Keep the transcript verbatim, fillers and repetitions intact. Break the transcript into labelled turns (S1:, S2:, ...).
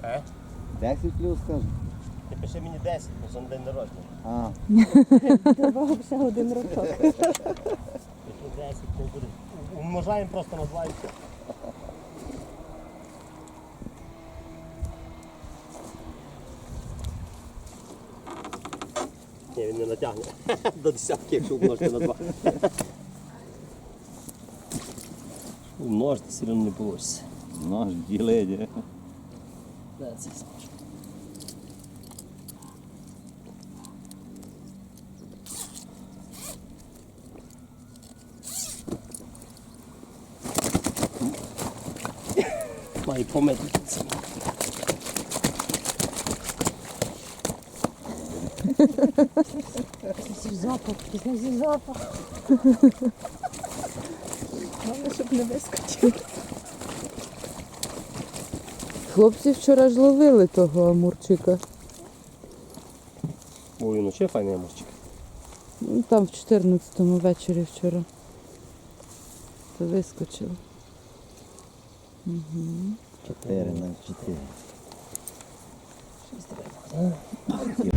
S1: А?
S2: десять плюс, кажу.
S1: Ти пиши мені десять, бо це на день народження.
S2: А,
S3: Добавив ще один рочок.
S1: Пиши десять, то буде. Умножаємо просто на два і все. Ні, він не натягне. До десятки, якщо умножити на два. Умножити все одно не вийде.
S2: нож ділить.
S1: Де це зможу? Має помити.
S3: Пізнав запах, пізнав запах. Головне, щоб не вискочив.
S4: Хлопці вчора ж ловили того амурчика.
S1: Ой, ну ще файний амурчик.
S4: Ну, там в чотирнадцятому вечорі вчора. То вискочив.
S2: Чотири на чотири.
S1: Щось треба.